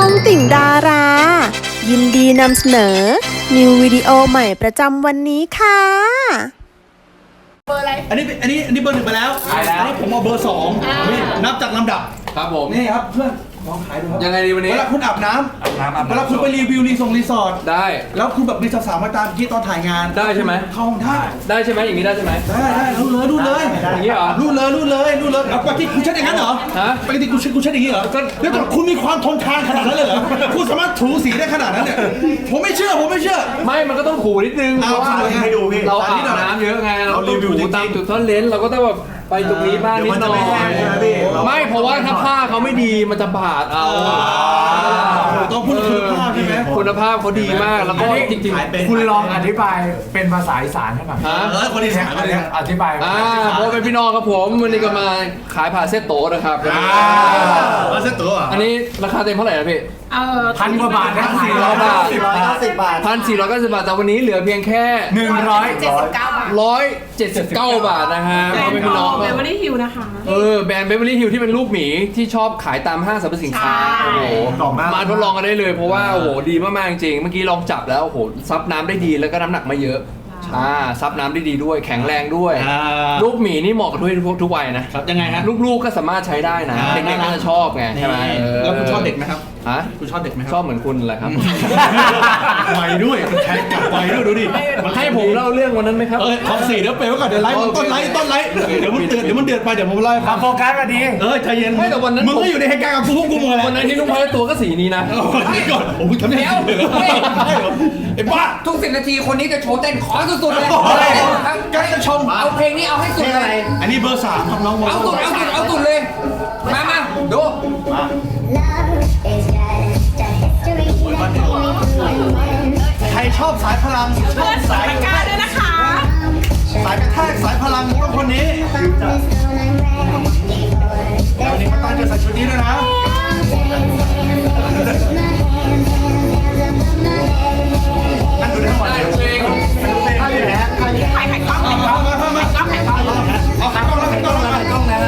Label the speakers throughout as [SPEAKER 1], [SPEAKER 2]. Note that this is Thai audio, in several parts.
[SPEAKER 1] องติ่งดารา ยินดีนำเสนอ นิววิดีโอใหม่ประจำวันนี้ค่ะ
[SPEAKER 2] เบอร์อะไร
[SPEAKER 3] อันนี้เบอร์หนึ่งไปแล้ว
[SPEAKER 4] ไปแล้ว
[SPEAKER 3] อันนี้ผมเอาเบอร์สองนี่นับจากลำดับ
[SPEAKER 4] ครับผม
[SPEAKER 3] นี่ครับเพื่อนลองขายดูครับ
[SPEAKER 4] ยังไงดีวันนี้
[SPEAKER 3] เวลาคุณอาบน้ำเวลาคุณไปรีวิวรีสอร์ท
[SPEAKER 4] ได้
[SPEAKER 3] แล้วคุณแบบมีสาวๆมาตามที่ตอนถ่ายงาน
[SPEAKER 4] ได้ใช่ไหม
[SPEAKER 3] เข้าห้องได้
[SPEAKER 4] ได้ใช่ไหมอย่างนี้ได้ใช่ไหม
[SPEAKER 3] ได้รูดเลย
[SPEAKER 4] อย่างนี้เหรอ
[SPEAKER 3] รูดเลยเอาปกติคุณเช็ดอย่างนั้นเหรอ
[SPEAKER 4] ฮะ
[SPEAKER 3] ปกติคุณเช็ดอย่างนี้เหรอแล้วแต่คุณมีความทนทานขนาดนั้นเลยเหรอคุณสามารถถูสีได้ขนาดนั้นเนี่ยผมไม่เชื่อ
[SPEAKER 4] ไม่มันก็ต้องถูนิดนึงเพ
[SPEAKER 3] เอา
[SPEAKER 4] ราะว่า
[SPEAKER 3] ให้ดูพี่
[SPEAKER 4] เราอาบน้ำเยอะไงเราต้อง
[SPEAKER 3] รีวิว
[SPEAKER 4] ถู
[SPEAKER 3] จริงๆ
[SPEAKER 4] ตามจุดซ่อนเลนเราก็ต้องแบบไปตรงนี้บ้างนิดหน่อยไม่เพราะว่าถ้าผ้าเขาไม่ดีมันจะบาดเอา
[SPEAKER 3] ต้องพูดคุณภาพใช่ไหม
[SPEAKER 4] คุณภาพเขาดีมากแล้วก็จริง
[SPEAKER 5] คุณลองอธิบายเป็นภาษาอีสานให้หน่อย
[SPEAKER 4] ๆฮะ
[SPEAKER 3] คนอีสานเลย
[SPEAKER 5] อธิบาย
[SPEAKER 4] เพราะเป็นพี่น้องครับผมวันนี้ก็มาขายผ่าเส้นโตะนะครับ
[SPEAKER 3] มาเซ็ตตัว
[SPEAKER 4] อันนี้ราคาเต็มเท่าไหร่นะพี่
[SPEAKER 5] พันกว่าบาทนะ
[SPEAKER 4] 1,400 บาท
[SPEAKER 6] 190 บาท
[SPEAKER 4] 1,490 บาทแต่วันนี้เหลือเพียงแค่
[SPEAKER 2] 79 บาท
[SPEAKER 4] 179 บาทนะฮะ
[SPEAKER 2] แบร
[SPEAKER 4] พ่อน แม่
[SPEAKER 2] ด์
[SPEAKER 4] พี่น้อง
[SPEAKER 2] เบเวอรี่ฮิลนะคะ
[SPEAKER 4] แบรนด์เบเวอรี่ฮิลที่เป็นรูปหมีที่ชอบขายตามห้างสรรพสินค้า
[SPEAKER 2] ใช่
[SPEAKER 4] โอ้โหมาทดลองกันได้เลยเพราะว่าโอ้โหดีมากๆจริงเมื่อกี้ลองจับแล้วโอ้โหซับน้ำได้ดีแล้วก็น้ำหนักไม่เยอะซับน้ำได้ดีด้วยแข็งแรงด้วยรูปหมีนี่เหมาะกับทุกวัยนะครับ
[SPEAKER 3] ยังไงฮะ
[SPEAKER 4] ลูกๆก็สามารถใช้ได้นะเด็กๆก็จะชอบไงใช่ไหม
[SPEAKER 3] แล้วคุณชอบเด็กไหมครับ
[SPEAKER 4] ฮะ
[SPEAKER 3] คุณชอบเด็กไหมค
[SPEAKER 4] ช
[SPEAKER 3] รั
[SPEAKER 4] อบเหมือนคุณแหละครับ
[SPEAKER 3] ไวด้วยแทงกลับไวด้วยดูดิ
[SPEAKER 4] ให้ผมเล่าเรื่องวันนั้นไหมครับ
[SPEAKER 3] ขอ4เดี๋ยวเปลไว้ก่อนเดี๋ยวไลฟ์ต้นไลฟ์เดี๋ยวมันเดือดไปเดี๋ยวผมไล่
[SPEAKER 5] มาโฟกัสมาดี
[SPEAKER 3] ใจเย็น
[SPEAKER 4] ไม่แต่วันนั้น
[SPEAKER 3] มึงก็อยู่ในเหตุการณ์กับกูพวกกูมึงอะไร
[SPEAKER 4] วันนั้นที่ลุงพายตัวก็สีนี้นะ
[SPEAKER 3] ก่อนผมทำยังไงไอ้บ้า
[SPEAKER 7] ทุก10 นาทีคนนี้จะโชว์เต้นขอสุดๆเลย
[SPEAKER 3] ใกล้จะชม
[SPEAKER 7] เอาเพลงนี้เอาให้สุดเลย
[SPEAKER 3] อันนี้เบอร์3ครับน้อง
[SPEAKER 7] เอาสุดเลย มาดู
[SPEAKER 3] ใครชอบสายพลังชอบสาย
[SPEAKER 2] กล้าด้วยนะคะ
[SPEAKER 3] สายกระแทกสายพลังต้องคนนี้วันนี้มาตั้งจะใส่ชุดนี้ด้วยนะนั่งดูได้ทั้งวันเลย
[SPEAKER 4] เพลง
[SPEAKER 2] ถ่ายกล้องถ่ายกล้อง
[SPEAKER 3] มาเอาขากล้องแล้วขากล้องแล้ว
[SPEAKER 5] กล้องนะฮะ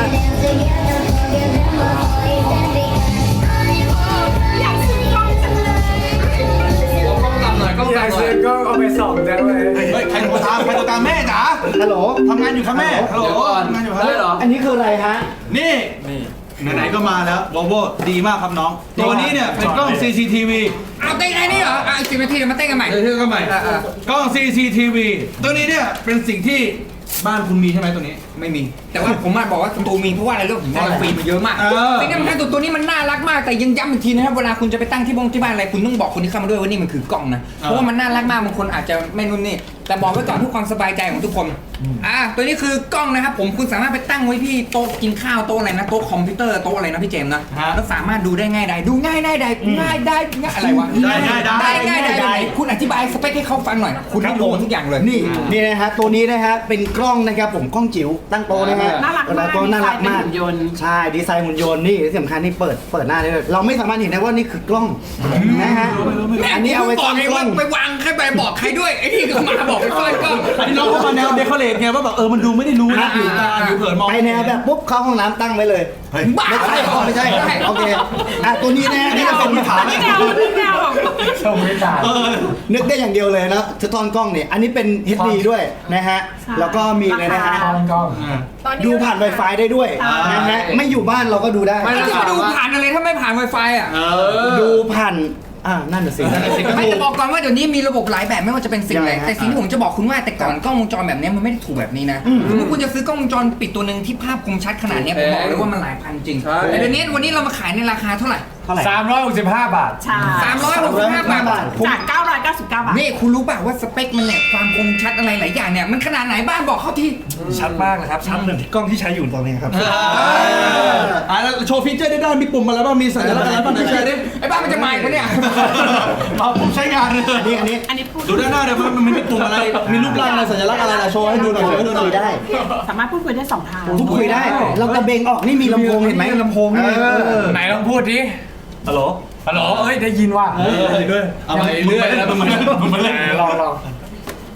[SPEAKER 2] อยากซื้อกล้องจังเลย
[SPEAKER 4] กล้องต่ำหน่อยกล้อง
[SPEAKER 5] อยาก
[SPEAKER 4] ต่ำหน่
[SPEAKER 5] ซื้
[SPEAKER 4] อ
[SPEAKER 5] อย ก็เอาไปส่องได้เลย
[SPEAKER 3] เฮ้ยใครโทรตามแม่จ๋า
[SPEAKER 6] ฮัลโหล
[SPEAKER 3] ทำงานอยู่ครับแม่ฮัลโหล
[SPEAKER 4] เดี๋ยวก่อน
[SPEAKER 3] ทำงานอยู่ครั
[SPEAKER 4] ได้เหรอ
[SPEAKER 6] อันนี้คืออะไรฮะ
[SPEAKER 3] นี่ไหนๆก็มาแล้ววอลโวดีมากครับน้องตัวนี้เนี่ยเป็นกล้อง CCTV
[SPEAKER 7] เอาเต้นไอ้นี่เหรอ10 นาทีมาเต้นกันใหม่
[SPEAKER 3] เดี๋ยวก็ใหม่กล้อง CCTV ตัวนี้เนี่ยเป็นสิ่งที่บ้านคุณมีใช่ไหมตัวนี้
[SPEAKER 7] ไม่มี แต่ว่าผมมาบอกว่าสตูมีเพราะว่าอะไรเรื่องผมได้ฟรีมาเยอะมากสิ่งที่มันให้ตัวนี้มันน่ารักมากแต่ยังย้ำอีกทีนะครับเวลาคุณจะไปตั้งที่บ้านอะไรคุณต้องบอกคนที่เข้ามาด้วยว่านี่มันคือกล้องนะเพราะว่ามันน่ารักมากบางคนอาจจะไม่นุ่นนี่แต่บอกไว้ก่อนเพื่อความสบายใจของทุกคนตัวนี้คือกล้องนะครับผมคุณสามารถไปตั้งไว้ที่โต๊ะกินข้าวโต๊ะอะไรนะโต๊ะคอมพิวเตอร์โต๊ะอะไรนะพี่เจมส์นะแล้วสามารถดูได้ง่ายได้ดูง่ายได้อะไรวะได้คุณอธิบายสเปคให้เขาฟังหน่อยคุณได้รู้ทุกอย่างเลย
[SPEAKER 6] นี่นะฮะตัวนี้นะฮะเป็นกล้องนะครับผมกล้องจิ๋วตั้งโตะนะฮะ
[SPEAKER 2] น่ารักมาก
[SPEAKER 6] ตัวน่ารักมาก
[SPEAKER 2] ดีไซน์เป็นหุ่นยนต์
[SPEAKER 6] ใช่ดีไซน์หุ่นยนต์นี่ที่สำคัญนี่เปิดหน้าได้เลยเราไม่สามารถเห็นได้ว่านี่คือกล้องนะฮะอันนี้เอาไว้
[SPEAKER 7] บ
[SPEAKER 6] ซ่
[SPEAKER 7] อ
[SPEAKER 6] อก น
[SPEAKER 7] ไง
[SPEAKER 6] กล้
[SPEAKER 7] ว่า
[SPEAKER 6] อง
[SPEAKER 7] ไปวางใครไปบอกใครด้วยไอ้นี่ก็มาบอกไปซ่อนกล้อง
[SPEAKER 3] อันนี้น้องเขามาแนวเดคอเรทไงว่าแบบมันดูไม่ได้รู้นะอยู่เผินมอง
[SPEAKER 6] ไปแนวแบบปุ๊บเข้าห้องน้ำตั้งไว้เลย
[SPEAKER 7] บ้า
[SPEAKER 6] ไม่ใช่โอเคตัวนี้นะนี่ก็เป็นฐาน
[SPEAKER 2] ไม่แนวแบบ
[SPEAKER 5] ชมวิจารณ์
[SPEAKER 6] นึกได้อย่างเดียวเลยนะสะท้อนกล้องเนี่ยอันนี้เป็น HD ด้วยนะฮะแล้วก็มีเลยนะฮะ
[SPEAKER 5] กล้อง
[SPEAKER 6] ดูผ่าน Wi-Fi ได้ด้วยนะฮะไม่อยู่บ้านเราก็ดูได้
[SPEAKER 7] ไม่จะมาดูผ่านอะไรถ้าไม่ผ่าน Wi-Fi อ่ะ
[SPEAKER 6] ดูผ่านนั่นน่ะสิ
[SPEAKER 7] ไม่จะบอกก่อนว่าเดี๋ยวนี้มีระบบหลายแบบไม่ว่าจะเป็นสิ่งอะไร
[SPEAKER 6] ยังไงฮะ
[SPEAKER 7] แต่สิ่งที่ผมจะบอกคุณว่าแต่ก่อนกล้องวงจรแบบนี้มันไม่ได้ถูกแบบนี้นะสมมติคุณจะซื้อกล้องวงจรปิดตัวหนึ่งที่ภาพคมชัดขนาดนี้ผมบอกเลยว่ามันหลายพันจริงแต่เดี๋ยวนี้วันนี้เรามาขายในราคาเท่าไหร่
[SPEAKER 5] 365 บาท
[SPEAKER 2] ใช่
[SPEAKER 7] 365 บาท
[SPEAKER 2] จาก 999 บาท
[SPEAKER 7] นี่คุณรู้ป่ะว่าสเปคมันเนี่ยความคมชัดอะไรหลายอย่างเนี่ยมันขนาดไหนบ้านบอกเขาที
[SPEAKER 6] ชัดมากนะครับ ชัดเหมือนกล้องที่ใช้อยู่ตอนนี้ครับ
[SPEAKER 3] แล้วโชว์ฟีเจอร์ได้มีปุ่มอะไรบ้างมีสัญลักษณ์อะไรบ้างพี่ชายดิ
[SPEAKER 7] ไอ้บ้านมันจะมาอีกปะเนี่ย
[SPEAKER 3] ผมใช้งาน
[SPEAKER 2] อันนี้พูด
[SPEAKER 3] ดูด้านหน้าเดี๋ยวมันมีปุ่มอะไรมีรูปร่างอะไรสัญลักษณ์อะไรโชว์ให้ดูหน่อยโชว์ให้ดูหน่อย
[SPEAKER 6] ได้
[SPEAKER 2] สามารถพูดคุยได้2 ทาง
[SPEAKER 6] พูดคุยได้ เรากระเบงออกนี่มีลำโพงเห็นไหมลำโพงนี่
[SPEAKER 5] ไหนลองพูดดิ ฮัลโหล เอ้ยได้ยินว่ะ
[SPEAKER 3] ด้วยเอาไปเรื่อยแล้วมัน
[SPEAKER 5] ลอง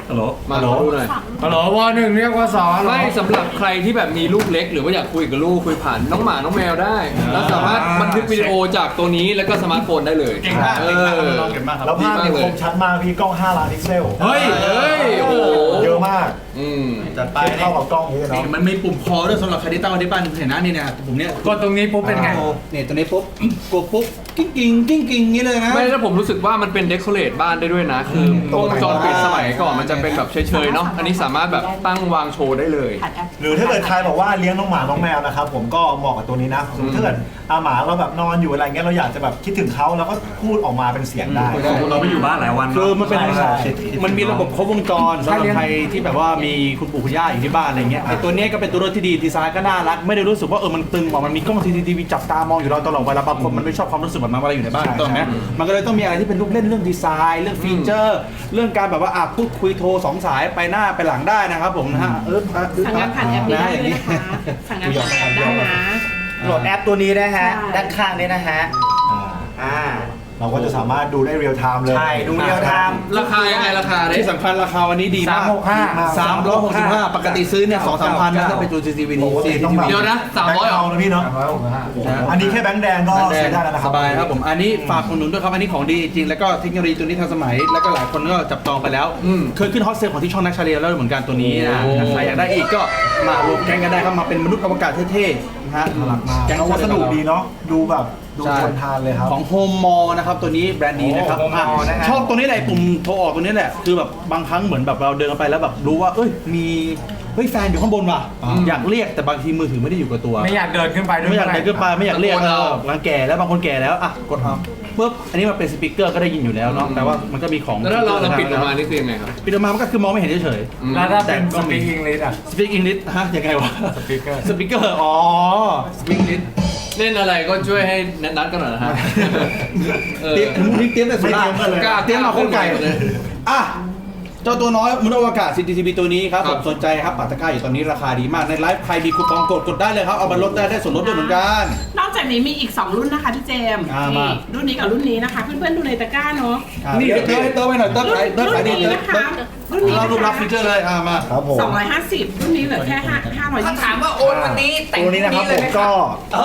[SPEAKER 5] ฮัลโหล
[SPEAKER 4] มาขอดูหน่อย
[SPEAKER 5] ฮัลโหลวหนึ่งเรียกว่าสอง
[SPEAKER 4] ไม่สำหรับใครที่แบบมีลูกเล็ก หรือว่าอยากคุยกับลูกคุยผ่านน้องหมาน้องแมวได้ แล้วสามารถบันทึกวิดีโอจากตัวนี้แล้วก็สมาร์ทโฟนได้เลย
[SPEAKER 5] เก่งมาก
[SPEAKER 4] เอ
[SPEAKER 5] เก่งมาก
[SPEAKER 4] อ
[SPEAKER 5] น้องเก่งมากครับ
[SPEAKER 8] แล้วภาพเนี่ยคมชัดมากพี่กล้อง5 ล้านพิกเซล
[SPEAKER 5] เฮ้ย
[SPEAKER 4] เฮ้ยโอ้โห
[SPEAKER 8] เยอะมาก
[SPEAKER 4] อืม
[SPEAKER 5] จัดไป
[SPEAKER 8] เทียบเท่ากับกล้องนี้เลยเนาะ
[SPEAKER 3] มันมีปุ่มคอด้วยสำหรับใครที่ตั้งไว้ที่บ้านเห็นนะนี่นะปุ่มเนี้ย
[SPEAKER 5] กดตรงนี้ปุ๊บเป็นไง
[SPEAKER 3] เนี่ยตัวนี้ปุ๊บกดปุ๊บกิ้งกิ้งกิ้งกิ้งนี้เลยนะ
[SPEAKER 4] ไม่แล้วผมรู้สึกว่ามันเป็นเดคอเรทบ้านได้ด้วยนะ คือวงจรปิดสมัยก่อนมันจะเป็นแบบเฉยๆเนาะอันนี้สามารถแบบตั้งวางโชว์ได้เลย
[SPEAKER 2] ผ่านแอป
[SPEAKER 8] หรือถ้าเกิดใครบอกว่าเลี้ยงน้องหมาน้องแมวนะครับผมก็เหมาะกับตัวนี้นะสมมติถ้าเกิดหมาเราแบบนอนอยู่อะไรเงี้ยเราอยากจะแบบคิดถึงเขาแล้วก็พูดออกมาเป็นเสียงได้
[SPEAKER 5] เราไม่อยู่บ้านหลายวัน
[SPEAKER 3] คือมันเป็น
[SPEAKER 8] ใช่
[SPEAKER 3] มันมีระบบครบวงจรสำหรับใครที่แบบว่ามีคุณปู่คุณย่าอยู่ที่บ้านอะไรเงี้ยไอ้ตัวเนี้ยก็เป็นตัวรถที่ดีดีไซน์ก็น่ารักไม่ได้รู้สึกว่ามันตึงบอกมันมีกล้อง CCTV จับตามองอยู่เราตลอดเวลาบางคนมันไม่ชอบความรู้สึกแบบนั้นเวลาอยู่ในบ้านถูกไหมมันก็เลยต้องมีอะไรที่เป็นลูกเล่นเรื่องดีไซน์เรื่องฟีเจอร์เรื่องการแบบว่าพูดคุยโทร2 สายไปหน้าไปหลังได้นะครับผมนะฮะ
[SPEAKER 2] สั่งงานผ่านแอปนี้ได้ด้วยนะคะสั่งงานผ่านแอปได้นะ
[SPEAKER 6] โหลดแอปตัวนี้นะฮะ
[SPEAKER 2] ใช่
[SPEAKER 6] ด้านข้างนี้นะฮะ อ่า
[SPEAKER 8] เราก็จะสามารถดูได้เรียลไทม์เลย
[SPEAKER 6] ใช่ ดูเรียลไทม์
[SPEAKER 4] ราคายังไงราคาเนี่ย
[SPEAKER 3] ที่สำคัญราคาวันนี้ดีมาก 365ปกติซื้อเนี่ย2-3 พันนะถ้าเป็นตัว CCTV
[SPEAKER 8] ปกติต้องแบบ
[SPEAKER 4] เดี๋ยวนะ300
[SPEAKER 8] เอานะพี่เนาะอันนี้แค่แบงค์แดงก็ใช้ได้แล้วนะค
[SPEAKER 3] ส
[SPEAKER 8] รับ
[SPEAKER 3] บายครับผมอันนี้ฝากคนหนุนด้วยครับอันนี้ของดีจริงแล้วก็เทคโนโลยีตัวนี้ทันสมัยแล้วก็หลายคนก็จับจองไปแล้วเคยขึ้นฮอตเซลของที่ช่องนักชาเลียแล้วเหมือนกันตัวนี้นะใครอยากได้อีกก็มารวมแก๊งกันได้ครับมาเป็นมนุษย์อวกาศเท่ๆนะฮะ
[SPEAKER 8] แก๊งวัสดุดีเนาะดูแบบดูทนทานเลยครับ
[SPEAKER 3] ของโฮมมอนะครับตัวนี้แบรนด์นี้นะครับ
[SPEAKER 6] Home Mall นะฮะ
[SPEAKER 3] ชอบตัวนี้แหละปุ่มโทรออกตัวนี้แหละคือแบบบางครั้งเหมือนแบบเราเดินไปแล้วแบบรู้ว่ามีแฟนอยู่ข้างบนว่ะอยากเรียกแต่บางทีมือถือไม่ได้อยู่กับตัว
[SPEAKER 5] ไม่อยากเดินขึ้นไปด้วย
[SPEAKER 3] ไม่อยากเดินขึ้นไปไม่อยากเรียก
[SPEAKER 4] ตะโกนเอา
[SPEAKER 3] บางแก่แล้วบางคนแก่แล้วกดเอาปุ๊บอันนี้มันเป็นสปีกเกอร์ก็ได้ยินอยู่แล้วเนาะแต่ว่ามันก็มีของ
[SPEAKER 4] แล้วถ้าเราปิดออกมานี่คือยังไงครับ
[SPEAKER 3] ปิดออกมามันก็คือมองไม่เห็นเฉย
[SPEAKER 5] แล้วถ้าเป็นสปีกอังกฤษอ่ะ
[SPEAKER 3] สปีกอังกฤษฮะยังไงวะ
[SPEAKER 5] สปีกเกอร์
[SPEAKER 3] สปีกเกอร์อ๋อสปีกอังกฤษ
[SPEAKER 4] เล่นอะไรก็ช่วยให้นัดกันหน่อยนะฮะ
[SPEAKER 3] เตรียมแต่สุด
[SPEAKER 8] ไม่เตรียมกันเลย
[SPEAKER 3] เตรียมมาโคตรไก่อ่ะเจ้าตัวน้อยมนุษย์อวกาศ CCTV ตัวนี้ครับผมสนใจครับปัตตะกร้าอยู่ตอนนี้ราคาดีมากในไลฟ์ใครมีคูปองกดได้เลยครับเอามาลดได้ส่วนลดด้วยเหมือนกัน
[SPEAKER 2] นอกจากนี้มีอีก 2 รุ่นนะคะพี่เจมส์
[SPEAKER 3] มา
[SPEAKER 2] นี่รุ่นนี้กับรุ่นนี้นะคะ เพื่อนๆดูในตะกร้าเนาะ
[SPEAKER 3] นี่เติมให้เติมไปหน่อยเติม
[SPEAKER 2] รุ่น
[SPEAKER 3] ขายเติมขายดี
[SPEAKER 2] นี้
[SPEAKER 3] เลย
[SPEAKER 2] นะคะรุ่นนี้
[SPEAKER 3] เรา
[SPEAKER 2] นะ
[SPEAKER 3] รูปรับ
[SPEAKER 2] คะ
[SPEAKER 3] ฟีเจอร์เลยมา
[SPEAKER 8] ครับผม
[SPEAKER 2] 250 รุ่นนี้เหลือแค่520
[SPEAKER 7] ถ้าถามว่าโอนวันนี้แต่ง
[SPEAKER 8] ตัวนี้นะครับ
[SPEAKER 7] เล
[SPEAKER 8] ผ
[SPEAKER 7] ย
[SPEAKER 8] ม
[SPEAKER 7] ไหมค
[SPEAKER 8] ก็
[SPEAKER 7] รับ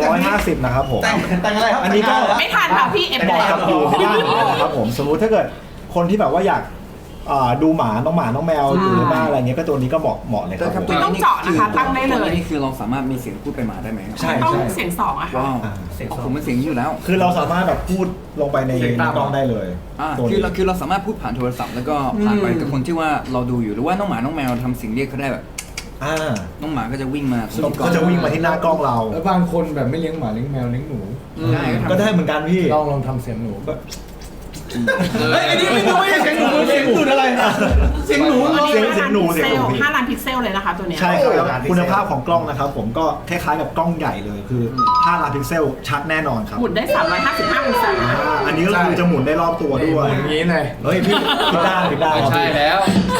[SPEAKER 8] 250นะครับผม
[SPEAKER 3] แต่งอะไรครับ
[SPEAKER 8] อันนี้ก็
[SPEAKER 2] ไม่ทันค่ะพี่เอฟ
[SPEAKER 8] เหมาะ
[SPEAKER 2] แล้ว
[SPEAKER 8] กับอยู่ที่บ้านนะครับผมสมมติถ้าเกิดคนที่แบบว่าอยากดูหมาน้องแมวอยู่ในบ้านอะไรเงี้ยก็ตัวนี้ก็เหมาะเลยครับผม
[SPEAKER 2] ต้องเจาะนะคะตั้งได้เลย
[SPEAKER 7] นี่คือเราสามารถมีเสียงพูดไปหมาได้ไหมครับ
[SPEAKER 8] ใช่
[SPEAKER 2] ต้องเสียง2อะค่ะ
[SPEAKER 7] ว้าวผมเป็นเสียงนี้อยู่แล้ว
[SPEAKER 8] คือเราสามารถแบบพูดลงไปในกล้องได้เลย ตัว
[SPEAKER 7] คื
[SPEAKER 8] นี้
[SPEAKER 7] อเราสามารถพูดผ่านโทรศัพท์แล้วก็ผ่านไปกับคนที่ว่าเราดูอยู่หรือว่าน้องหมาน้องแมวทำเสียงเรียกเขาได้แบบ น้องหมาก็จะวิ่งมา
[SPEAKER 8] ก็จะวิ่งมาที่หน้ากล้องเรา
[SPEAKER 5] แล้วบางคนแบบไม่เลี้ยงหมาเลี้ยงแมวเลี้ยงหนู
[SPEAKER 7] ได้
[SPEAKER 8] ก็ได้เหมือนกันพี่
[SPEAKER 5] ลองทำเสียงหนูก็
[SPEAKER 3] เฮ้ยอันนี้ไม่ใช่เสียงหนูเสียงตูดอะไรเสียงหนู
[SPEAKER 2] อันนี้
[SPEAKER 8] เสียงหนูเสียงหนูพี่
[SPEAKER 2] 5 ล้านพิกเซลเลยนะคะตัวเนี้ย
[SPEAKER 8] ใช่ครับแล้วคุณภาพของกล้องนะครับผมก็คล้ายๆกับกล้องใหญ่เลยคือ5 ล้านพิกเซลชัดแน่นอนครับ
[SPEAKER 2] หมุนได้ 355 องศา
[SPEAKER 8] อันนี้ก็คือจะหมุนได้รอบตัวด้วย
[SPEAKER 5] อย่างนี้เลย
[SPEAKER 8] เฮ้ยพี่คิดได้
[SPEAKER 4] ไม่ใช่แล้ว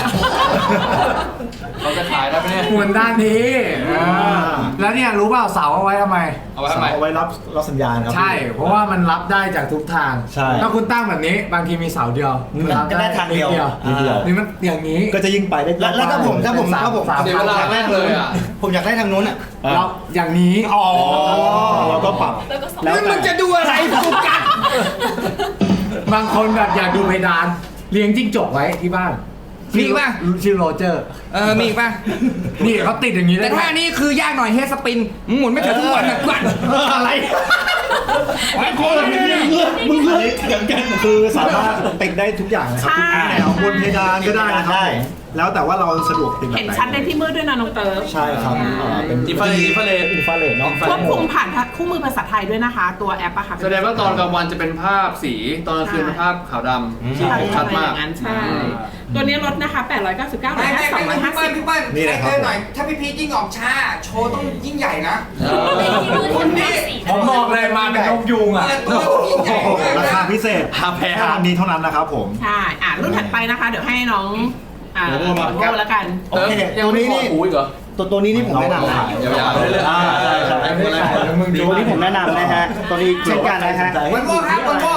[SPEAKER 4] เขาจะขายได้ไหมเนี่ย
[SPEAKER 5] หมุนด้านนี้แล้วเนี่ยรู้เปล่าเสาเอาไว้ทำไม
[SPEAKER 4] เอาไว้ทำไม
[SPEAKER 8] เอาไว้รับสัญญาณครับ
[SPEAKER 5] ใช่ เพราะว่ามันรับได้จากทุกทาง
[SPEAKER 8] ใช่
[SPEAKER 5] ถ้าคุณตั้งแบบนี้บางทีมีเสาเดียวรับ
[SPEAKER 6] ก็ได้ทางเดียว
[SPEAKER 8] นิดเดียว
[SPEAKER 5] นี่มันอย่างนี้
[SPEAKER 8] ก็จะยิ่งไปได้
[SPEAKER 6] แล้วถ้าผม
[SPEAKER 5] สาม
[SPEAKER 4] เสียเวลามากเลยอ่ะ
[SPEAKER 6] ผมอยากได้ทางนู้นอ่ะ
[SPEAKER 5] เราอย่างนี้
[SPEAKER 6] อ๋อ
[SPEAKER 8] เราก็ปรับ
[SPEAKER 6] แล้วมึงจะดูอะไรกูกัน
[SPEAKER 5] บางคนแบบอยากดูเพดานเลี้ยงจิ้งจกไว้ที่บ้าน
[SPEAKER 7] มีป่ะ
[SPEAKER 5] ชื่อโรเจอร์
[SPEAKER 7] มีป่ะ
[SPEAKER 5] นี่เขาติดอย่างนี้ได้
[SPEAKER 7] แต่ถ้านี้คือยากหน่อยเฮดสปินหมุนไม่ถึงทุกวันนะกวน
[SPEAKER 3] อะไรไอ้คนมึงเลือกเถียงกัน
[SPEAKER 8] คือสามารถติดได้ทุกอย่างนะครับทุกแนวบนเพดานก็ได้นะครับผมแล้วแต่ว่าเราสะดวกติดแบบ
[SPEAKER 2] เห็น
[SPEAKER 8] ไหน
[SPEAKER 2] ชัดได้ที่มืดด้วยนะน้องเติร์ฟ
[SPEAKER 8] ใช่ครับเป็น
[SPEAKER 3] อินฟราเรดเนาะ
[SPEAKER 2] ควบคุมผ่านคู่มือภาษาไทยด้วยนะคะ ตัวแอปอะค่ะ
[SPEAKER 4] แสดงว่าตอนกลางวันจะเป็นภาพสีตอนกลางคืนเป็นภาพขาวดำ
[SPEAKER 2] ใช่
[SPEAKER 4] ชัดมาก
[SPEAKER 2] อย่างนั้นใช่ตัวนี้ลดนะคะ899เหลือ
[SPEAKER 7] ไม่
[SPEAKER 2] แค่
[SPEAKER 7] พี่เปิ้ล
[SPEAKER 2] 250
[SPEAKER 7] พี่เปิ้ลหน่อยถ้าพี่พีทยิ่งออกช้าโชว์ต้องยิ่งใหญ่นะ
[SPEAKER 5] คนนี้ผมบอกเลยมาเป็นนกยูงอ่ะ
[SPEAKER 7] เปิดตัวยิ่งใหญ่มาก
[SPEAKER 8] ราคาพิเศษแค่วันนี้เท่านั้นนะครับผม
[SPEAKER 2] ใช่รุ่นถัดไปนะคะ เดี๋ยวให้น้องโบแล้วกัน
[SPEAKER 8] โอเค
[SPEAKER 4] ยังไม่ขอหูอีกเหรอ
[SPEAKER 6] ตัวนี้นี่ผมแนะนำนะ
[SPEAKER 4] ยาวๆเลยๆ
[SPEAKER 8] ใช่
[SPEAKER 6] ตัวนี้ผมแนะนำนะฮะตัวนี้เช่นกันนะฮะ
[SPEAKER 7] วันโม่ครับวันโม่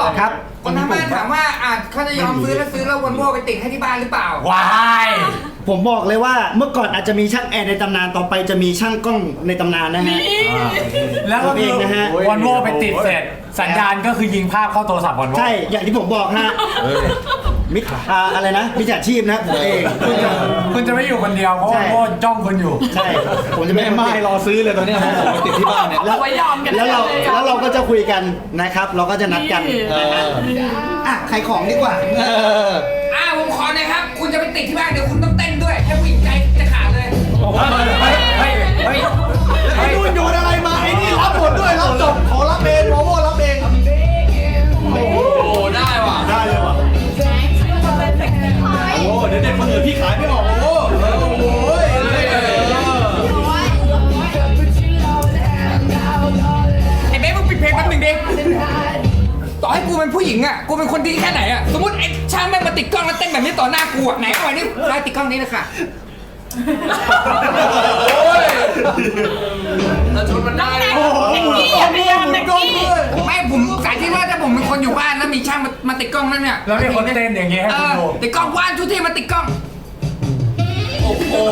[SPEAKER 6] ครับ
[SPEAKER 7] คนทางบ้านถามว่าเขาจะยอมซื้อแล้ววันโว่ไปติดให้ที่บ้านหรือเปล่า
[SPEAKER 5] วาย
[SPEAKER 6] ผมบอกเลยว่าเมื่อก่อนอาจจะมีช่างแอร์ในตำนานต่อไปจะมีช่างกล้องในตำนานนะฮะ
[SPEAKER 5] แล้วก็
[SPEAKER 6] เองนะฮะ
[SPEAKER 5] วันโว่ไปติดเสร็จ สัญญาณก็คือยิงภาพเข้าโทรศัพท์วันโว่
[SPEAKER 6] ใช่อย่างที่ผมบอกฮะมิจอะไรนะมิจฉาชีพนะผมเอง
[SPEAKER 5] คุณจะไม่อยู่คนเดียวเพราะ
[SPEAKER 6] ใช่
[SPEAKER 5] วันโว่จ้องคุณอยู่
[SPEAKER 6] ใช่ผมจะ
[SPEAKER 3] แม่
[SPEAKER 6] ไม่
[SPEAKER 3] ไม้รอซื้อเลยตอนเนี้ยผมติดที่บ้านเนี่ย
[SPEAKER 6] แล้ว
[SPEAKER 2] ไว้ยอมกัน
[SPEAKER 6] แล้วเราก็จะคุยกันนะครับ เราก็จะนัดกันอ่ะขายของดีกว่า
[SPEAKER 7] ผมขอหน่อยครับ คุณจะไปติดที่บ้านเดี๋ยวคุณต้องเต้นด้วยให้ผู้หญิงใจจะขาดเลย
[SPEAKER 3] ไอ้นู่นโยนอะไรมาไอ้นี่รับหมดด้วยรับจบขอรับเองโมโม่รับเอง
[SPEAKER 4] โอ้ได้ว่ะ
[SPEAKER 3] ได้เลยว่ะโอ้เดี๋ยวเด็กคนอื่นพี่ขายไม่ออกโอ้โห
[SPEAKER 7] ไอ้เบ๊มึงปิดเพลงแป๊บหนึงดิต่อให้กูเป็นผู้หญิงอ่ะกูเป็นคนดีแค่ไหนอ่ะสมมติไอ้ช่างแม่งมาติดกล้องแล้วเต้นแบบนี้ต่อหน้ากูอ่ะไหนเอาไว้นี่ใครติดกล้องนี้เลยค่ะ
[SPEAKER 4] แล้วชนมันได้เลย
[SPEAKER 2] โอ้โหพยายามเด็กกี้
[SPEAKER 7] ไม่ผมสาธิตว่าถ้าผมเป็นคนอยู่บ้านแล้วมีช่างมาติดกล้องนั่นเนี่ย
[SPEAKER 5] แล้วมีคนเต้นอย่างเงี้ยให้คุณดู
[SPEAKER 7] ติดกล้องว่านทุกที่มาติดกล้อง
[SPEAKER 4] โอ้โห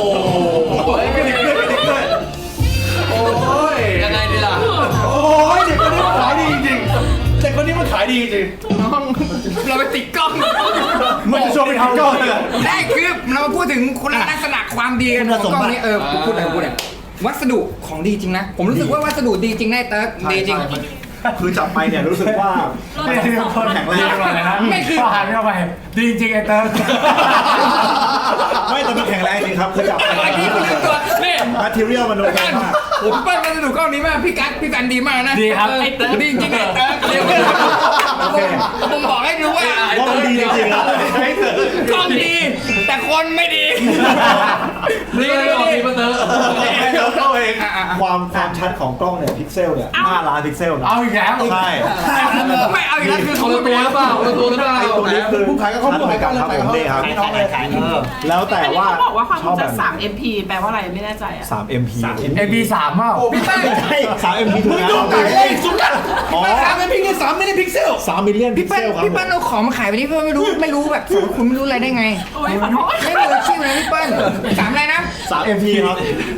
[SPEAKER 4] ยังไงดีล่ะ
[SPEAKER 3] โอ้ยเด็กคนนี้มันขายดีจริงเด็กคนนี้มันขายดีจริง
[SPEAKER 7] เราไปติดกล้อง
[SPEAKER 3] มันจะชวนไปทำก้อนเลย
[SPEAKER 7] ได้คือเรามาพูดถึงคุณลักษณะความดีกันของกล้องนี้พูดอะไรวัสดุของดีจริงนะ ผมรู้สึกว่าวัสดุดีจริงได้เติร์กดีจริง
[SPEAKER 8] คือจับไปเนี่ยรู้สึกว่า
[SPEAKER 5] ไม่ใช่คนแข็งแรงเลยนะก็หันเข้าไปดีจริงไอ้เติร์
[SPEAKER 8] ไม่แต่มันแข็งแรงจริงครับคือจับไป
[SPEAKER 7] ไอ้ที่คุณลืมตัวนี่
[SPEAKER 8] แมทเทียลมันโอเคมาก
[SPEAKER 7] ผมเปิ้ลวัสดุกล้องนี้มากพี่กันดีมากนะ
[SPEAKER 5] ดีครับ
[SPEAKER 7] ไอ้เติร์กดีจริงไอ้เติร์กเรียกว่าผมบอกให้ดูว่า
[SPEAKER 8] ว่ามันดีจริงๆครับ
[SPEAKER 7] กล้องดี แต่คนไม่ดี
[SPEAKER 4] นี่เลยออกดีมาเตอร์
[SPEAKER 8] เข้าเองความชัดของกล้องเนี่ยพิกเซลเนี่ย5 ล้านพิกเซลนะ
[SPEAKER 5] เอาอีกแล้ว
[SPEAKER 8] ใช่
[SPEAKER 7] ไม่เอาอีกแล้วคือ
[SPEAKER 4] ค
[SPEAKER 7] เขา
[SPEAKER 4] นละตัวหรือเปล่าคนละตัวหรือเปล่า
[SPEAKER 8] ไอ้ตัวนี้คือผู้ขายก็เขาเหมือนกันครับผมนี่ครับแล้วแต่ว่า
[SPEAKER 2] เขาบอกว่าความ
[SPEAKER 8] ชอบ
[SPEAKER 2] จุ
[SPEAKER 8] แบบ
[SPEAKER 2] 3 MP แปลว่าอะไรไม่แน่ใจอ่ะ
[SPEAKER 8] 3 MP
[SPEAKER 5] เอพีสามเปล่า
[SPEAKER 7] พี่เปิ้ล
[SPEAKER 8] ใช่3 MP ถูกแล้วอ๋อ
[SPEAKER 7] 3 MP นี่3ไม่ได้พิกเซล
[SPEAKER 8] 3 มิลเลียนพิ
[SPEAKER 7] พี่
[SPEAKER 8] กเซ
[SPEAKER 7] เปิ้ล
[SPEAKER 8] ลครับ
[SPEAKER 7] พี่เปิ้ลเอาของมาขายไปนี่เพื่อไม่รู้แบบสมมติคุณไม่รู้อะไรได้ไง
[SPEAKER 2] โอ้ยขอโทษ
[SPEAKER 7] ไม่มืออาชีพนะพี่เปิ้ล3อะไรนะ
[SPEAKER 8] 3 MP ครับ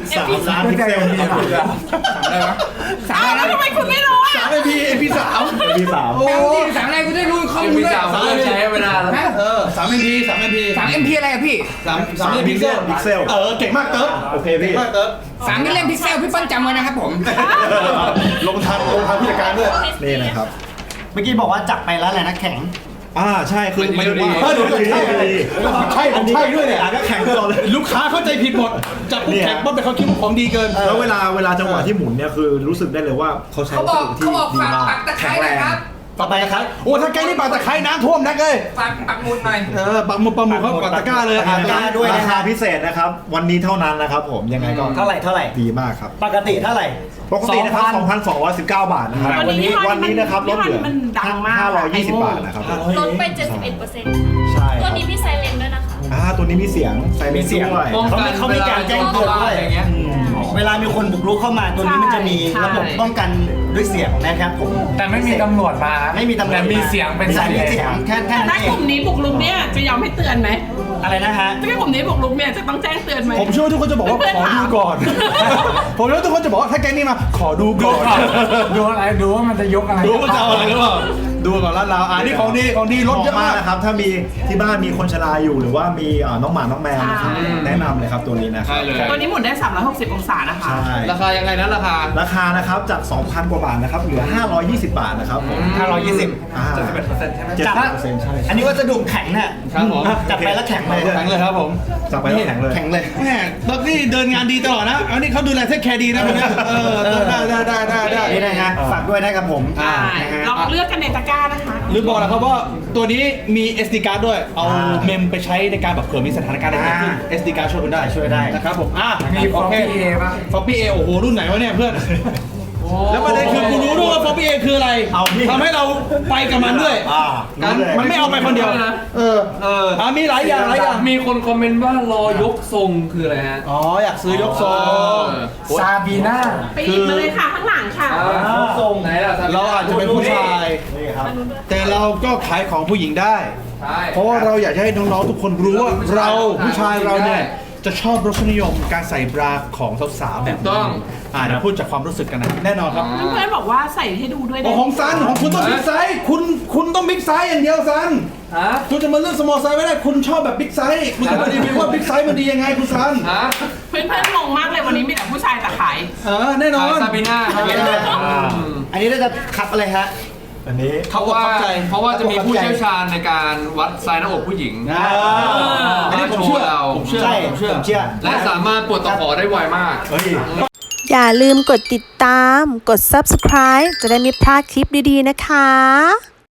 [SPEAKER 8] 3 ล้านพิกเซล
[SPEAKER 7] อะไรวะ3
[SPEAKER 2] อ้า
[SPEAKER 7] อะ
[SPEAKER 2] ว
[SPEAKER 7] ไร
[SPEAKER 2] แล้ว
[SPEAKER 7] นะ
[SPEAKER 2] ทำไมคุณไม่รู้อ่ะ
[SPEAKER 3] 3 MP MP 3
[SPEAKER 8] MP 3
[SPEAKER 7] 3อะไรกูได้รู้ข้อ
[SPEAKER 4] เอ็
[SPEAKER 7] มู
[SPEAKER 4] ม
[SPEAKER 7] ล
[SPEAKER 4] พี
[SPEAKER 7] ด้วย
[SPEAKER 4] สามเริ่มใช้เวลาแล้ว
[SPEAKER 7] ฮะ
[SPEAKER 3] 3 MP 3 MP
[SPEAKER 7] 3 MP อะไรอะพี่
[SPEAKER 3] 3 MP
[SPEAKER 8] มิลเลียนพิกเซล
[SPEAKER 3] เก่งมากเติร์ด
[SPEAKER 8] โอเคพี่
[SPEAKER 3] มากเติร์ด
[SPEAKER 7] 3มิลเลียนพิกเซลพี่เปิ้ลจำไว้นะครับผม
[SPEAKER 3] ลงทันผู้จัดการด้วย
[SPEAKER 8] นี่นะครับ
[SPEAKER 6] เมื่อกี้บอกว่าจับไปแล้วแหละนะแข็ง
[SPEAKER 8] ใช่คือไม่ดี
[SPEAKER 3] ใช่ผมใช่ด้วยเนี่ย
[SPEAKER 8] ก็แข็งตลอดเลย
[SPEAKER 3] ลูกค้าเข้าใจผิดหมดจับปุ๊บแข็งปุ๊บแต่เขาคิดว่าของดีเกิน
[SPEAKER 8] แล้วเวลาจังหวะที่หมุนเนี่ยคือรู้สึกได้เลยว่าเขาใช้
[SPEAKER 7] เขา
[SPEAKER 8] วั
[SPEAKER 7] บ
[SPEAKER 8] ส
[SPEAKER 7] อก
[SPEAKER 8] ดุที่
[SPEAKER 7] เขาบอก
[SPEAKER 8] ดี
[SPEAKER 7] ฝาก
[SPEAKER 8] มาก
[SPEAKER 7] ปักตะไคร้หนะครับ
[SPEAKER 3] ต่อไปครับโอ้ถ้าแกนี่ปากตะไคร้น้ำท่วมนักเลย
[SPEAKER 7] ปักหมุดหน่อย
[SPEAKER 3] ปักหมุดเขาปักตะกร้าเลย
[SPEAKER 8] ราคาด้วยราคาพิเศษนะครับ วันนี้เท่านั้นนะครับผมยังไงก็
[SPEAKER 6] เท่าไหร่
[SPEAKER 8] ดีมากครับ
[SPEAKER 6] ปกติเท่าไหร่
[SPEAKER 8] ปกตินะครับ 2,219 บาทนะครับ
[SPEAKER 2] วันนี้
[SPEAKER 8] วันนี้นะครับลดเหลือ
[SPEAKER 2] มันดังมาก
[SPEAKER 8] 520 บาทนะครับ
[SPEAKER 9] ลดไป 71%
[SPEAKER 8] ใช่ค
[SPEAKER 9] ตั
[SPEAKER 8] รั
[SPEAKER 9] ว
[SPEAKER 8] บ
[SPEAKER 9] นี้มีไซเรนด้วยนะคะ
[SPEAKER 8] ตัวนี้มีเสียงใส่มีเสียงด้วย
[SPEAKER 4] ป้องกัน
[SPEAKER 6] เขามีการแจ้งเตือนด้วย
[SPEAKER 4] อย่างเงี้ย
[SPEAKER 6] เวลามีคนบุกรุกเข้ามาตัวนี้มันจะมี
[SPEAKER 2] ใช่
[SPEAKER 6] ระบบป้องกันด้วยเสียงนะครับผม
[SPEAKER 5] แต่ไม่มีตำรวจมา
[SPEAKER 6] ไม่มีตำรวจ
[SPEAKER 5] แต่มีเสียงเป็น
[SPEAKER 6] ใช่
[SPEAKER 5] ไซ
[SPEAKER 6] มี
[SPEAKER 5] เรน
[SPEAKER 6] เสียงแค่
[SPEAKER 2] แต่
[SPEAKER 6] นั้น
[SPEAKER 2] ถ้า
[SPEAKER 6] เอก ง
[SPEAKER 2] ลุ่มนี้บุกรุกเนี่ยจะยอมให้เตือนไหม
[SPEAKER 6] อะไรนะฮะ
[SPEAKER 2] ถ้ากลุ่มนี้บุกรุกเนี่ยจะต้องแจ้งเตือนไหม
[SPEAKER 3] ผมเชื่อว่าทุกคนจะบอกว่าขอดูก่อน ผมเชื่อว่าทุกคนจะบอกว่าถ้าแกนี่มาขอดูก่อน
[SPEAKER 5] ดูอะไรดูว่ามันจะยกอะไร
[SPEAKER 3] ดูว่าจะเอาอะไรหรือเปล่าดูก่อนแล้วเรานี่ของดีรถเยอะมาก
[SPEAKER 8] นะครับ ถ้ามีที่บ้านมีคนชราอยู่หรือว่ามีน้องหมาน้องแมวนะครับแนะนำเลยครับตัวนี้นะครั
[SPEAKER 4] ใช่เลย
[SPEAKER 2] ตัวนี้หมุนได้ 360 องศานะคะ
[SPEAKER 8] ใช่
[SPEAKER 4] ราคายังไงนะราคา
[SPEAKER 8] ราคานะครับจาก 2,000 กว่าบาทนะครับเหลือ 520 บาทนะครับผม
[SPEAKER 6] 520
[SPEAKER 8] 71%ใช่ไหม
[SPEAKER 6] จับ
[SPEAKER 8] 71%ใช่
[SPEAKER 6] อันนี้วัสดุแข็งเนี่ย
[SPEAKER 4] ครับผม
[SPEAKER 6] จับไปแล้วแข็งเลย
[SPEAKER 3] แข็งเลยครับผม
[SPEAKER 8] จับไปแล้วแข็งเลย
[SPEAKER 6] แข็งเลย
[SPEAKER 3] แม่เบิร์กนี่เดินงานดีตลอดนะอันนี้เขาดูแลเทคแคร์ดีนะคนนี้ได้
[SPEAKER 6] นี่นะฮะฝากด้วยนะครับผม
[SPEAKER 2] ใช่
[SPEAKER 6] นะฮะ
[SPEAKER 2] ลองเลือกกันในตะกร้านะคะ
[SPEAKER 3] หรือบอกนะครับว่าตัวนี้มี SD card ด้วย เอาเมมไปใช้ในการแบบเผื่อมีสถานการณ์อะไรเกิดขึ้น SD card ช่วยคุณได้นะครับผม
[SPEAKER 5] มีฟ
[SPEAKER 3] โอ
[SPEAKER 5] อร์
[SPEAKER 3] เค
[SPEAKER 5] พีเอป่ะ
[SPEAKER 3] ฟอปปี้เอโอ้โหรุ่นไหนวะเนี่ยเพื่อน
[SPEAKER 5] ฟ
[SPEAKER 3] แล้วประเด็นคือกูรู้ด้วยว่า 4PA คืออะไร
[SPEAKER 8] เอาพี่
[SPEAKER 3] ทำให้เราไปกับมันด้วย
[SPEAKER 8] รู้เลย
[SPEAKER 3] มันไม่เอาไปคนเดียวมีหลายอย่างหลายอย่าง
[SPEAKER 4] มีคนคอมเมนต์ว่ารอยกทรงคืออะไรฮะ
[SPEAKER 3] อ๋ออยากซื้อยกทรง
[SPEAKER 5] ซาบีน่า
[SPEAKER 2] ไปหยิบมาเลยค่ะข้างหลังค่ะ
[SPEAKER 4] ยกทรงไหนล่ะ
[SPEAKER 3] เราอาจจะเป็นผู้ชาย
[SPEAKER 8] นี่ครับ
[SPEAKER 3] แต่เราก็ขายของผู้หญิงได้
[SPEAKER 4] ใช่
[SPEAKER 3] เพราะว่าเราอยากจะให้น้องๆทุกคนรู้ว่าเราผู้ชายเราเนี่ยจะชอบรสนิยมการใส่บราของสาวๆแบบ
[SPEAKER 4] ต้อง
[SPEAKER 3] เดี๋ยวพูดจากความรู้สึกกันนะแน่นอนครับ
[SPEAKER 2] เพื่อนๆบอกว่าใส่ให้ดูด้วย
[SPEAKER 3] โอ้ของซันของคุณต้องบิ๊กไซส์คุณต้องบิ๊กไซส์อย่างเดียวซัน
[SPEAKER 4] ฮะ
[SPEAKER 3] คุณจะมาเลือกสมอลไซส์ไม่ได้คุณชอบแบบบิ๊กไซส์คุณจะมารีวิวว่าบิ๊กไซส์มันดียังไงคุณซัน
[SPEAKER 4] ฮะ
[SPEAKER 2] เพื่อนๆงงมากเลยวันนี้มีแต่ผู้ชายแต่ขาย
[SPEAKER 3] แน่นอน
[SPEAKER 4] ซาบิน่าครับ
[SPEAKER 6] อันนี้เราจะคับอะไรฮะ
[SPEAKER 8] อันนี้
[SPEAKER 3] เขาบอกเข้าใจ
[SPEAKER 4] เพราะว่าจะมีผู้เชี่ยวชาญในการวัดไซส์หน้าอกผู้หญิง
[SPEAKER 3] อันนี้ผมเชื่อ ผมเชื่อ
[SPEAKER 6] ใช่
[SPEAKER 3] ผมเชื่อ
[SPEAKER 6] ผมเชื่อ
[SPEAKER 4] และสามารถปวดตะขอได้ไวมาก
[SPEAKER 8] เฮ้ย
[SPEAKER 1] อย่าลืมกดติดตาม กด subscribe จะได้ไม่พลาดคลิปดีๆนะคะ